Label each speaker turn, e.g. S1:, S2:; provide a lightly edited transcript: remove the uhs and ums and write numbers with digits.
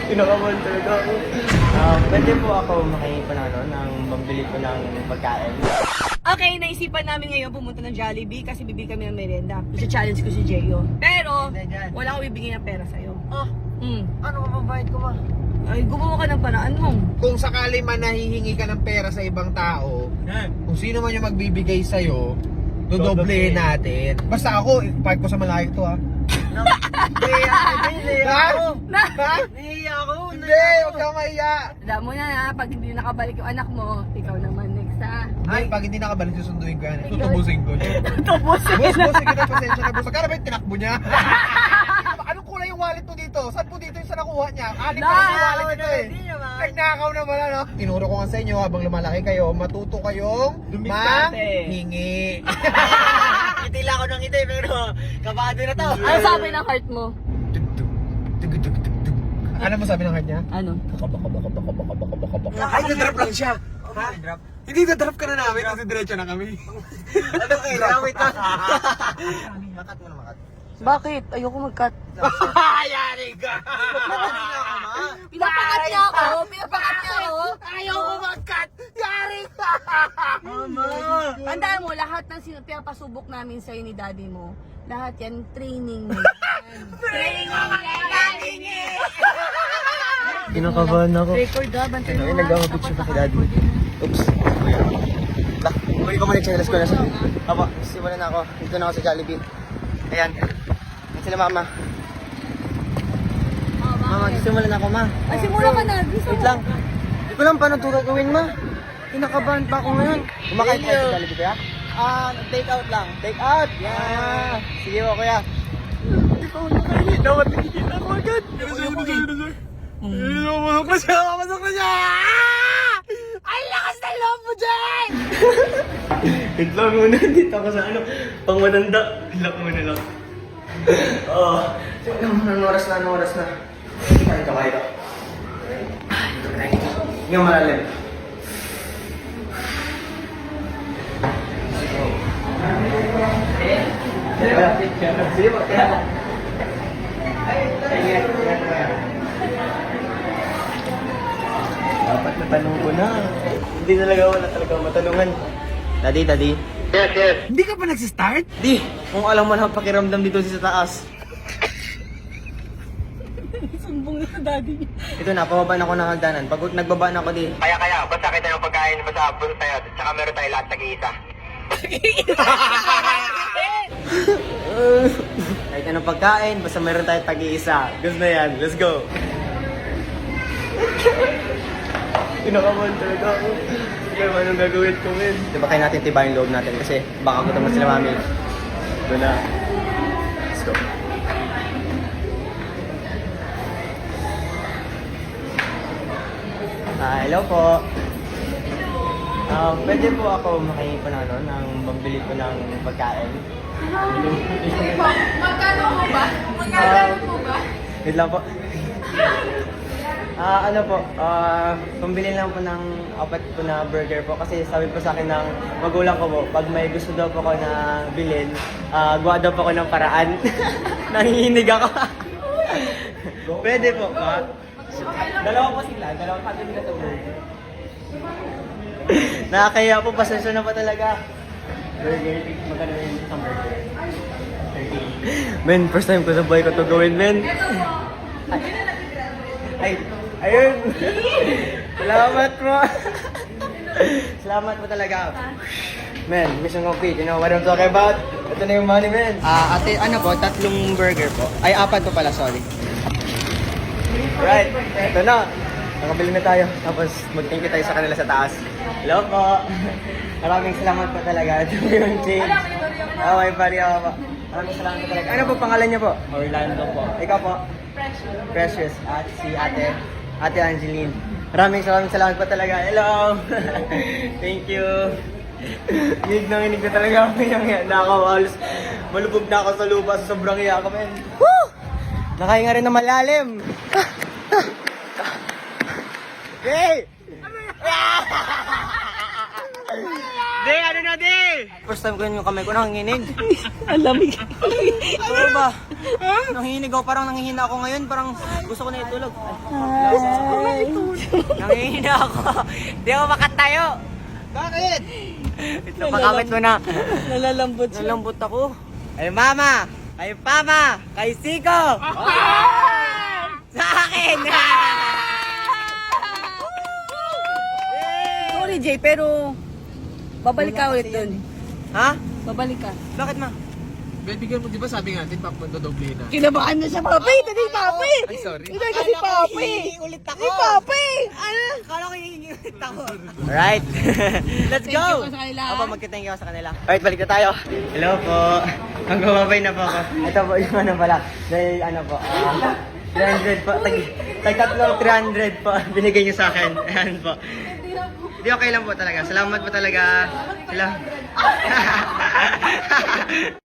S1: Kinakabahan talaga ako. Pwede po ako makipanano ng pambili ko ng pagkain.
S2: Okay, naisipan namin ngayon pumunta ng Jollibee kasi bibili kami ng merienda. I-challenge ko si Jeyo. Pero, wala akong bibigyan ng pera sa'yo.
S1: Ano mababayad ko ma?
S2: Ay, gumawa ka ng paraan mo.
S3: Kung sakali man nahihingi ka ng pera sa ibang tao, kung sino man yung magbibigay sa'yo, dodoblehin natin. Basta ako, ipark ko sa malayo to ha.
S1: Nahiya ako.
S3: Ha?
S1: Nahiya ako.
S3: Hindi, huwag kang mahiya.
S2: Alam mo na ha, pag hindi nakabalik yung anak mo, ikaw naman next ha.
S3: Ay, pag hindi nakabalik, susunduin ko yan. Tutubusin ko.
S2: Tubusin.
S3: Boss, sige na, pasensya na boss. Magkano ba yung tinakbo niya? Anong kulay yung wallet mo dito? Saan po dito yung sa nakuha niya? Anim pa yung wallet ito eh. Nagnakaw naman ano? Tinuro ko nga sa inyo habang lumalaki kayo, matuto kayong mahingi.
S1: Ngiti lang ako ng ngiti pero kabado na to.
S2: Ano sabi ng heart mo?
S3: Ano mo sabi ng heart niya?
S2: Ano?
S3: Ay, nadrap lang siya. Ha? Hindi, nadrap ka na namin kasi diretso na kami.
S1: Ano kailangan? Wait lang. Makat mo na makat.
S2: Bakit? Ayoko mag-cut.
S3: Yari ka!
S2: Pinapakat niya ako! Pinapakat niya ako!
S3: Ayoko mag-cut! Yari ka!
S1: Mama!
S2: Tandaan mo, lahat ng pinapasubok namin sa'yo ni daddy mo, lahat yan, training mo. Training mo!
S1: Kinakabahan ako.
S2: Record ha, bantay mo ha.
S1: Nag-picture pa kay daddy. Oops. Lah, huli ko muna yung channels ko na sa... Apo, simulan na ako. Dito na ako sa Jollibee. Ayan. Yan sila mama. Mama, simulan na ako ma.
S2: Ay, simula ka na.
S1: Wait lang. Hindi ko lang paano ito gagawin ma. Kinakabahan pa ako ngayon. Kumakain tayo sa Jollibee kaya? Take out lang. Take out! Yeah! Sige mo kuya. Hindi pa ako nakainit. Dapat nakikita ko agad. Pumasok na siya! Pumasok na siya!
S2: Ay, lakas ng loob mo dyan!
S1: Wait lang muna. Dito ako sa ano. Pang matanda. Lock muna lang. Oo. Anong oras na? Anong oras na? Kain ka, kain ka. Hindi ka malalim. Sige po. Dapat natanong ko na. Hindi talaga wala talaga matanungan. Daddy. Yes.
S3: Hindi ka pa nagsistart?
S1: Di, kung alam mo na ang pakiramdam dito sa taas.
S2: Sumbong na sa daddy.
S1: Ito na, pababa na ako ng hagdanan. Pag nagbaba na ako di. Kaya, basta kita yung pagkain, basta abot tayo. Tsaka meron tayo lahat nag-iisa. Kahit anong pagkain, basta meron tayo tag-iisa. Gusto na yan, let's go. Kinakabahan talaga ako. Sige, anong gagawin ko, men? Diba kaya natin tibayin loob natin kasi baka gutom na sila mami. Ito na. Let's go. Hello po. Pwede po ako makipanano ng pambili ko ng pagkain.
S2: Magkano mo ba? Magkano mo ba?
S1: Wait lang po. Ano po, pambili lang po ng apat po na burger po kasi sabi po sa akin ng magulang ko po, pag may gusto daw po ko na bilhin, gawa daw po ko ng paraan. Nanginginig ako. Pwede po ba? Dalawa po sila, dalawang patin na ito burger. Nakakaya po, pasensya na po talaga. Burger, magkano yung isang burger? 30. Men, first time ko sa buhay ko ito gawin, men. Ayun. Salamat mo. Salamat po talaga. Men, mission complete. You know what I'm talking about? Ito na yung money, men. Ate, ano po? 3 burger po. Ay, 4 po pala, sorry. Right. Ito na. Nakabili na tayo. Tapos, mag-thank you tayo sa kanila sa taas. Hello po. Maraming salamat po talaga. Ito yung change. Okay, pari ako po. Maraming salamat po talaga. Ano po pangalan niyo po? Orlando po. Ikaw po? Precious. At si Ate Angeline. Maraming salamat po talaga. Hello! Thank you. Inig na talaga ako yung nakakawalos. Malubog na ako sa lupa sa sobrang iya ko, men. Woo! Nakahinga rin na malalim. Hey! Di! Di, ano na, di! First time ko yun yung kamay ko nanginginig.
S2: Ang lamig.
S1: Ano ba? Nanginginig ako, parang nangihina ako ngayon. Parang gusto ko na itulog. Nangihina ako. Di ako makatayo.
S3: Bakit?
S1: Ito, pag-awit mo na.
S2: Nalalambot siya.
S1: Nalambot ako. Ay, mama! Kay Pama! Kay Siko! Sa akin!
S2: Sorry, Jay, pero babalik ka ulit dun.
S1: Ha?
S2: Babalik ka.
S1: Bakit, ma?
S3: Bibigyan mo, di ba sabi nga natin, dodoble na.
S2: Kinabahan na siya, Papi! Hindi, Papi!
S3: Ay, sorry.
S2: Hindi kasi Papi!
S1: Ulit ako!
S2: Hindi, Papi! Ano?
S1: Akala ko hihingi ulit ako. Alright. Let's
S2: Thank
S1: go!
S2: you po sa kanila.
S1: Opo, magka-thank you ako sa kanila. Alright, balik na tayo. Hello po. Magbababay na po ako. Ito po yung ano pala. Dahil ano po. 300 po. Tatlong 300 po. Binigay niyo sa akin. Ayan po. Hindi, okay lang po talaga. Salamat po talaga. Hello.